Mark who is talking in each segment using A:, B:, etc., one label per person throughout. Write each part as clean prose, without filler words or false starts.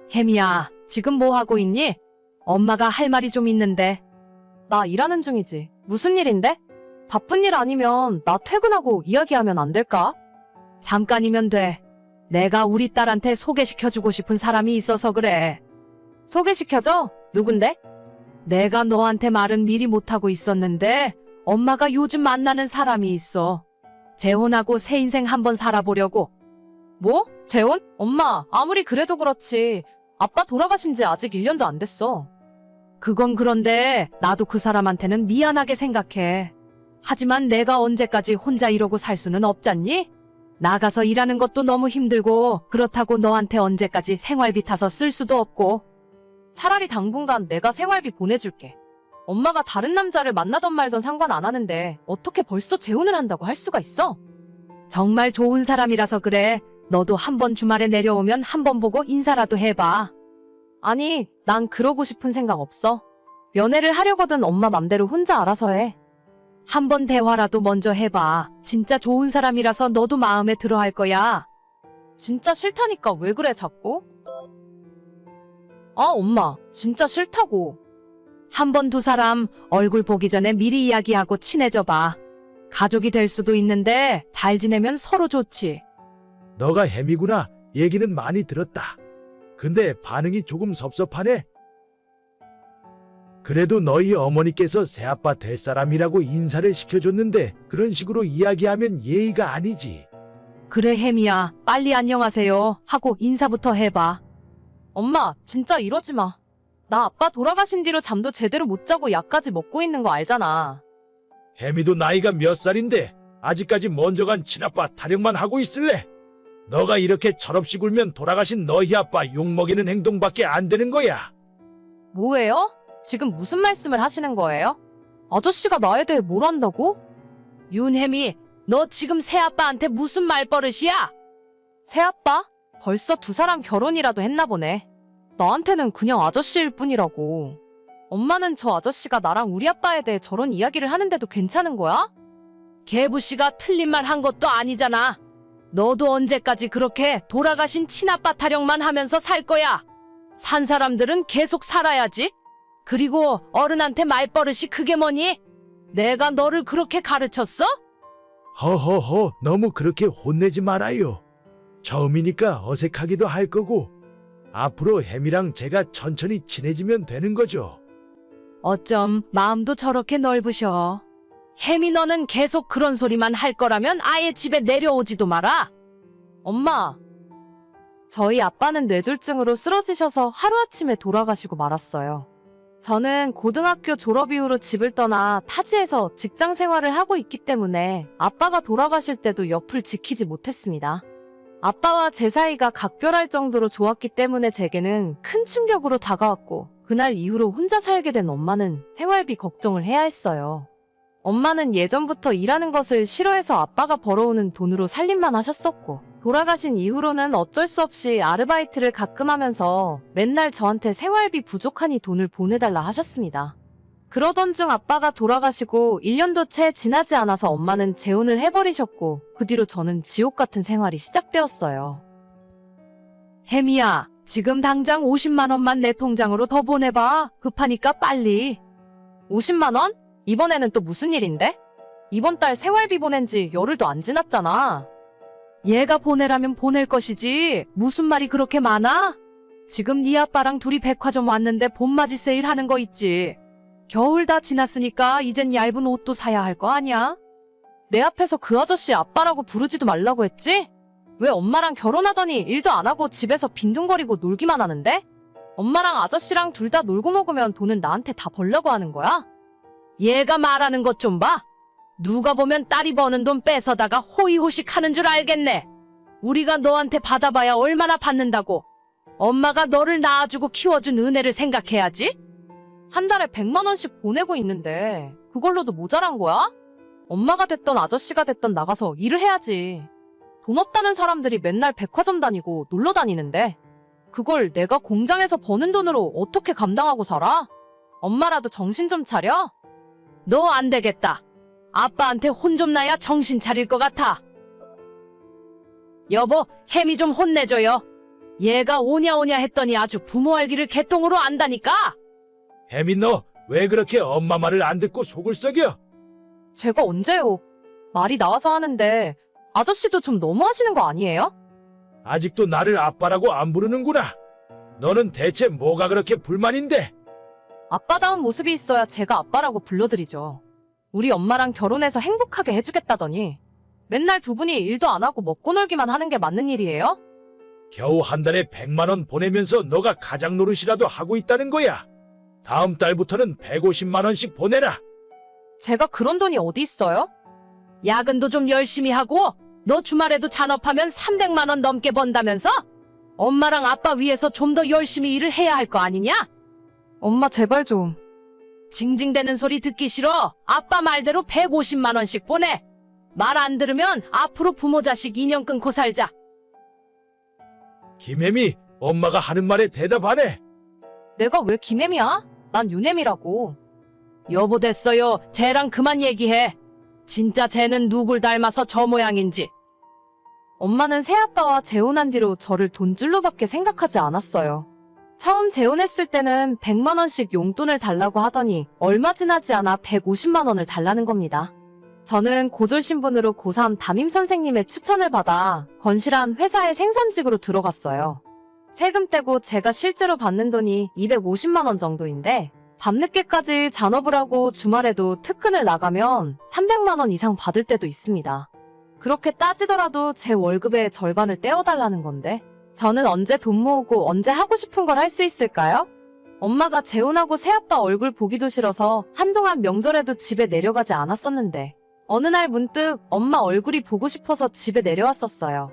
A: 혜미야, 지금 뭐 하고 있니? 엄마가 할 말이 좀 있는데. 나 일하는 중이지. 무슨 일인데? 바쁜 일 아니면 나 퇴근하고 이야기하면 안 될까? 잠깐이면 돼. 내가 우리 딸한테 소개시켜주고 싶은 사람이 있어서 그래. 소개시켜줘? 누군데? 내가 너한테 말은 미리 못하고 있었는데 엄마가 요즘 만나는 사람이 있어. 재혼하고 새 인생 한번 살아보려고. 뭐? 재혼? 엄마, 아무리 그래도 그렇지. 아빠 돌아가신 지 아직 1년도 안 됐어. 그건 그런데 나도 그 사람한테는 미안하게 생각해. 하지만 내가 언제까지 혼자 이러고 살 수는 없잖니? 나가서 일하는 것도 너무 힘들고 그렇다고 너한테 언제까지 생활비 타서 쓸 수도 없고. 차라리 당분간 내가 생활비 보내줄게. 엄마가 다른 남자를 만나던 말던 상관 안 하는데 어떻게 벌써 재혼을 한다고 할 수가 있어? 정말 좋은 사람이라서 그래. 너도 한번 주말에 내려오면 한번 보고 인사라도 해봐. 아니, 난 그러고 싶은 생각 없어. 연애를 하려거든 엄마 맘대로 혼자 알아서 해. 한번 대화라도 먼저 해봐. 진짜 좋은 사람이라서 너도 마음에 들어 할 거야. 진짜 싫다니까 왜 그래 자꾸? 아, 엄마, 진짜 싫다고. 한번 두 사람 얼굴 보기 전에 미리 이야기하고 친해져 봐. 가족이 될 수도 있는데 잘 지내면 서로 좋지.
B: 너가 혜미구나. 얘기는 많이 들었다. 근데 반응이 조금 섭섭하네. 그래도 너희 어머니께서 새아빠 될 사람이라고 인사를 시켜줬는데 그런 식으로 이야기하면 예의가 아니지.
A: 그래 혜미야, 빨리 안녕하세요 하고 인사부터 해봐. 엄마, 진짜 이러지 마. 나 아빠 돌아가신 뒤로 잠도 제대로 못 자고 약까지 먹고 있는 거 알잖아.
B: 혜미도 나이가 몇 살인데 아직까지 먼저 간 친아빠 타령만 하고 있을래? 너가 이렇게 철없이 굴면 돌아가신 너희 아빠 욕먹이는 행동밖에 안 되는 거야.
A: 뭐예요? 지금 무슨 말씀을 하시는 거예요? 아저씨가 나에 대해 뭘 안다고? 윤혜미, 너 지금 새아빠한테 무슨 말버릇이야? 새아빠? 벌써 두 사람 결혼이라도 했나 보네. 나한테는 그냥 아저씨일 뿐이라고. 엄마는 저 아저씨가 나랑 우리 아빠에 대해 저런 이야기를 하는데도 괜찮은 거야? 개부씨가 틀린 말 한 것도 아니잖아. 너도 언제까지 그렇게 돌아가신 친아빠 타령만 하면서 살 거야? 산 사람들은 계속 살아야지. 그리고 어른한테 말버릇이 그게 뭐니? 내가 너를 그렇게 가르쳤어?
B: 허허허, 너무 그렇게 혼내지 말아요. 처음이니까 어색하기도 할 거고 앞으로 혜미랑 제가 천천히 친해지면 되는 거죠.
A: 어쩜 마음도 저렇게 넓으셔. 혜미 너는 계속 그런 소리만 할 거라면 아예 집에 내려오지도 마라. 엄마, 저희 아빠는 뇌졸중으로 쓰러지셔서 하루아침에 돌아가시고 말았어요. 저는 고등학교 졸업 이후로 집을 떠나 타지에서 직장 생활을 하고 있기 때문에 아빠가 돌아가실 때도 옆을 지키지 못했습니다. 아빠와 제 사이가 각별할 정도로 좋았기 때문에 제게는 큰 충격으로 다가왔고 그날 이후로 혼자 살게 된 엄마는 생활비 걱정을 해야 했어요. 엄마는 예전부터 일하는 것을 싫어해서 아빠가 벌어오는 돈으로 살림만 하셨었고 돌아가신 이후로는 어쩔 수 없이 아르바이트를 가끔 하면서 맨날 저한테 생활비 부족하니 돈을 보내달라 하셨습니다. 그러던 중 아빠가 돌아가시고 1년도 채 지나지 않아서 엄마는 재혼을 해버리셨고 그 뒤로 저는 지옥 같은 생활이 시작되었어요. 혜미야, 지금 당장 50만 원만 내 통장으로 더 보내봐. 급하니까 빨리. 50만 원? 이번에는 또 무슨 일인데? 이번 달 생활비 보낸 지 열흘도 안 지났잖아. 얘가 보내라면 보낼 것이지. 무슨 말이 그렇게 많아? 지금 네 아빠랑 둘이 백화점 왔는데 봄맞이 세일 하는 거 있지. 겨울 다 지났으니까 이젠 얇은 옷도 사야 할 거 아니야? 내 앞에서 그 아저씨 아빠라고 부르지도 말라고 했지? 왜 엄마랑 결혼하더니 일도 안 하고 집에서 빈둥거리고 놀기만 하는데? 엄마랑 아저씨랑 둘 다 놀고 먹으면 돈은 나한테 다 벌려고 하는 거야? 얘가 말하는 것 좀 봐. 누가 보면 딸이 버는 돈 뺏어다가 호의호식 하는 줄 알겠네. 우리가 너한테 받아봐야 얼마나 받는다고. 엄마가 너를 낳아주고 키워준 은혜를 생각해야지. 한 달에 100만 원씩 보내고 있는데 그걸로도 모자란 거야? 엄마가 됐던 아저씨가 됐던 나가서 일을 해야지. 돈 없다는 사람들이 맨날 백화점 다니고 놀러 다니는데 그걸 내가 공장에서 버는 돈으로 어떻게 감당하고 살아? 엄마라도 정신 좀 차려. 너 안 되겠다. 아빠한테 혼 좀 나야 정신 차릴 것 같아. 여보, 혜미 좀 혼내줘요. 얘가 오냐 오냐 했더니 아주 부모 알기를 개똥으로 안다니까.
B: 혜미 너 왜 그렇게 엄마 말을 안 듣고 속을 썩여?
A: 제가 언제요? 말이 나와서 하는데 아저씨도 좀 너무하시는 거 아니에요?
B: 아직도 나를 아빠라고 안 부르는구나. 너는 대체 뭐가 그렇게 불만인데?
A: 아빠다운 모습이 있어야 제가 아빠라고 불러드리죠. 우리 엄마랑 결혼해서 행복하게 해주겠다더니 맨날 두 분이 일도 안 하고 먹고 놀기만 하는 게 맞는 일이에요?
B: 겨우 한 달에 100만 원 보내면서 너가 가장 노릇이라도 하고 있다는 거야. 다음 달부터는 150만 원씩 보내라.
A: 제가 그런 돈이 어디 있어요? 야근도 좀 열심히 하고 너 주말에도 잔업하면 300만 원 넘게 번다면서? 엄마랑 아빠 위해서 좀 더 열심히 일을 해야 할 거 아니냐? 엄마 제발 좀. 징징대는 소리 듣기 싫어. 아빠 말대로 150만 원씩 보내. 말 안 들으면 앞으로 부모 자식 인연 끊고 살자.
B: 김혜미, 엄마가 하는 말에 대답하네.
A: 내가 왜 김혜미야? 난 윤혜미라고. 여보 됐어요. 쟤랑 그만 얘기해. 진짜 쟤는 누굴 닮아서 저 모양인지. 엄마는 새아빠와 재혼한 뒤로 저를 돈줄로밖에 생각하지 않았어요. 처음 재혼했을 때는 100만 원씩 용돈을 달라고 하더니 얼마 지나지 않아 150만 원을 달라는 겁니다. 저는 고졸 신분으로 고3 담임 선생님의 추천을 받아 건실한 회사의 생산직으로 들어갔어요. 세금 떼고 제가 실제로 받는 돈이 250만 원 정도인데 밤늦게까지 잔업을 하고 주말에도 특근을 나가면 300만 원 이상 받을 때도 있습니다. 그렇게 따지더라도 제 월급의 절반을 떼어달라는 건데 저는 언제 돈 모으고 언제 하고 싶은 걸 할 수 있을까요? 엄마가 재혼하고 새아빠 얼굴 보기도 싫어서 한동안 명절에도 집에 내려가지 않았었는데 어느 날 문득 엄마 얼굴이 보고 싶어서 집에 내려왔었어요.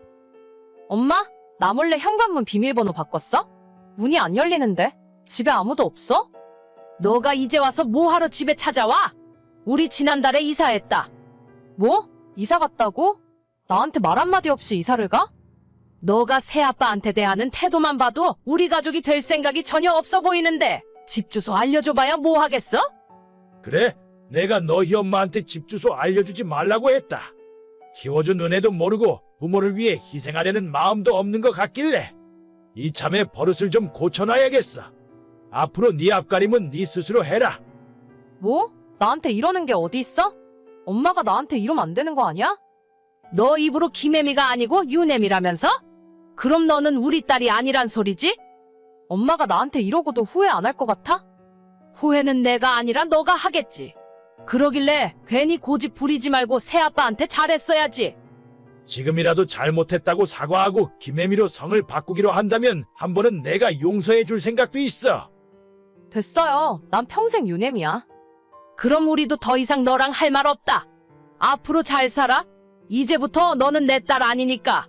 A: 엄마? 나 몰래 현관문 비밀번호 바꿨어? 문이 안 열리는데? 집에 아무도 없어? 너가 이제 와서 뭐하러 집에 찾아와? 우리 지난달에 이사했다. 뭐? 이사 갔다고? 나한테 말 한마디 없이 이사를 가? 너가 새아빠한테 대하는 태도만 봐도 우리 가족이 될 생각이 전혀 없어 보이는데 집 주소 알려줘봐야 뭐 하겠어?
B: 그래, 내가 너희 엄마한테 집 주소 알려주지 말라고 했다. 키워준 은혜도 모르고 부모를 위해 희생하려는 마음도 없는 것 같길래 이참에 버릇을 좀 고쳐놔야겠어. 앞으로 네 앞가림은 네 스스로 해라.
A: 뭐? 나한테 이러는 게 어디 있어? 엄마가 나한테 이러면 안 되는 거 아니야? 너 입으로 김혜미가 아니고 윤혜미라면서? 그럼 너는 우리 딸이 아니란 소리지? 엄마가 나한테 이러고도 후회 안 할 것 같아? 후회는 내가 아니라 너가 하겠지. 그러길래 괜히 고집 부리지 말고 새아빠한테 잘했어야지.
B: 지금이라도 잘못했다고 사과하고 김혜미로 성을 바꾸기로 한다면 한 번은 내가 용서해 줄 생각도 있어.
A: 됐어요. 난 평생 윤혜미야. 그럼 우리도 더 이상 너랑 할 말 없다. 앞으로 잘 살아. 이제부터 너는 내 딸 아니니까.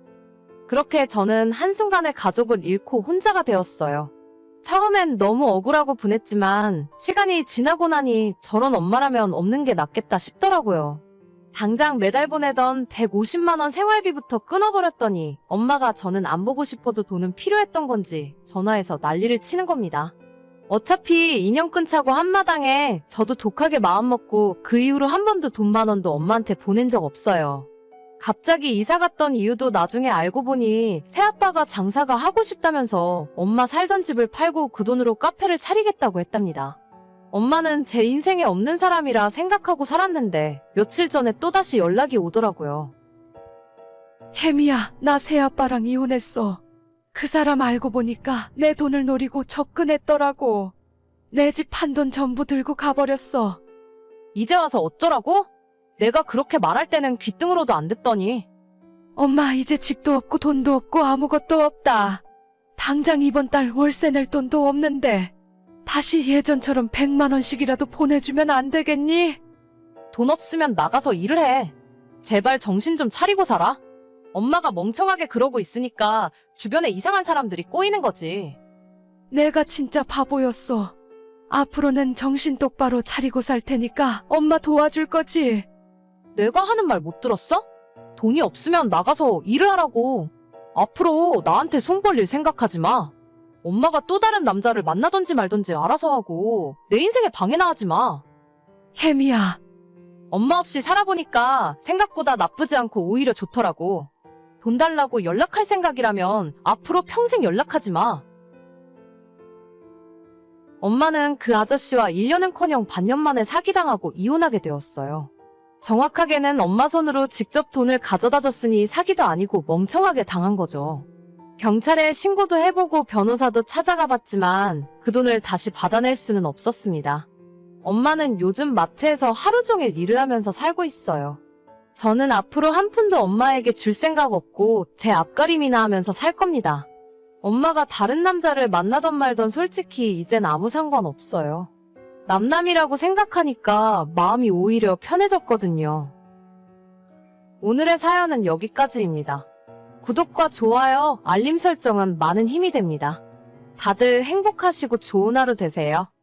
A: 그렇게 저는 한순간에 가족을 잃고 혼자가 되었어요. 처음엔 너무 억울하고 분했지만 시간이 지나고 나니 저런 엄마라면 없는 게 낫겠다 싶더라고요. 당장 매달 보내던 150만 원 생활비부터 끊어버렸더니 엄마가 저는 안 보고 싶어도 돈은 필요했던 건지 전화해서 난리를 치는 겁니다. 어차피 인연 끊자고 한마당에 저도 독하게 마음먹고 그 이후로 한 번도 돈 10,000원도 엄마한테 보낸 적 없어요. 갑자기 이사 갔던 이유도 나중에 알고 보니 새아빠가 장사가 하고 싶다면서 엄마 살던 집을 팔고 그 돈으로 카페를 차리겠다고 했답니다. 엄마는 제 인생에 없는 사람이라 생각하고 살았는데 며칠 전에 또다시 연락이 오더라고요.
C: 혜미야, 나 새아빠랑 이혼했어. 그 사람 알고 보니까 내 돈을 노리고 접근했더라고. 내 집 판돈 전부 들고 가버렸어.
A: 이제 와서 어쩌라고? 내가 그렇게 말할 때는 귀등으로도 안 듣더니.
C: 엄마, 이제 집도 없고 돈도 없고 아무것도 없다. 당장 이번 달 월세 낼 돈도 없는데 다시 예전처럼 100만 원씩이라도 보내주면 안 되겠니?
A: 돈 없으면 나가서 일을 해. 제발 정신 좀 차리고 살아. 엄마가 멍청하게 그러고 있으니까 주변에 이상한 사람들이 꼬이는 거지.
C: 내가 진짜 바보였어. 앞으로는 정신 똑바로 차리고 살 테니까 엄마 도와줄 거지?
A: 내가 하는 말 못 들었어? 돈이 없으면 나가서 일을 하라고. 앞으로 나한테 손 벌릴 생각하지 마. 엄마가 또 다른 남자를 만나던지 말던지 알아서 하고 내 인생에 방해나 하지 마.
C: 혜미야,
A: 엄마 없이 살아보니까 생각보다 나쁘지 않고 오히려 좋더라고. 돈 달라고 연락할 생각이라면 앞으로 평생 연락하지 마. 엄마는 그 아저씨와 1년은커녕 반년 만에 사기당하고 이혼하게 되었어요. 정확하게는 엄마 손으로 직접 돈을 가져다 줬으니 사기도 아니고 멍청하게 당한 거죠. 경찰에 신고도 해보고 변호사도 찾아가 봤지만 그 돈을 다시 받아낼 수는 없었습니다. 엄마는 요즘 마트에서 하루 종일 일을 하면서 살고 있어요. 저는 앞으로 한 푼도 엄마에게 줄 생각 없고 제 앞가림이나 하면서 살 겁니다. 엄마가 다른 남자를 만나던 말던 솔직히 이젠 아무 상관없어요. 남남이라고 생각하니까 마음이 오히려 편해졌거든요. 오늘의 사연은 여기까지입니다. 구독과 좋아요, 알림 설정은 많은 힘이 됩니다. 다들 행복하시고 좋은 하루 되세요.